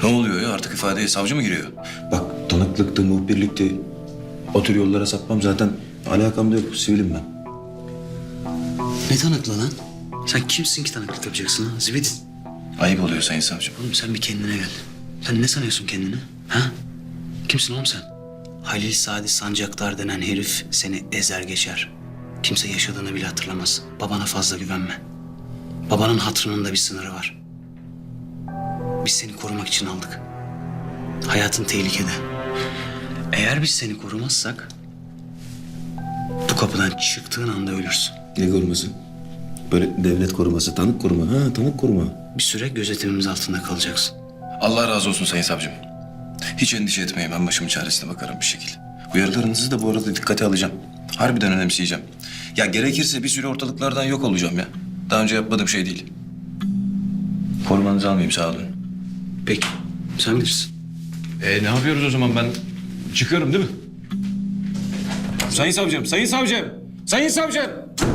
Ne oluyor ya? Artık ifadeye savcı mı giriyor? Bak tanıklıktı, muhbirlikti. O tür yollara sapmam zaten alakam da yok. Sivilim ben. Ne tanıklı lan? Sen kimsin ki tanıklık yapacaksın ha? Zibit. Ayıp oluyor sayın savcım. Oğlum sen bir kendine gel. Sen ne sanıyorsun kendini? Ha? Kimsin oğlum sen? Halil Sadi Sancaktar denen herif seni ezer geçer. Kimse yaşadığını bile hatırlamaz. Babana fazla güvenme. Babanın hatırının da bir sınırı var. Biz seni korumak için aldık. Hayatın tehlikede. Eğer biz seni korumazsak bu kapıdan çıktığın anda ölürsün. Ne koruması? Böyle devlet koruması, tanık koruma. Ha, tanık koruma. Bir süre gözetimimiz altında kalacaksın. Allah razı olsun sayın savcım. Hiç endişe etmeyin. Ben başımın çaresine bakarım bir şekilde. Uyarılarınızı da bu arada dikkate alacağım. Harbiden önemseyeceğim. Ya gerekirse bir süre ortalıklardan yok olacağım ya. Daha önce yapmadığım şey değil. Korumanızı almayayım, sağ olun. Peki, sen bilirsin. Ne yapıyoruz o zaman? Ben çıkıyorum değil mi? Sayın savcım, sayın savcım, sayın savcım.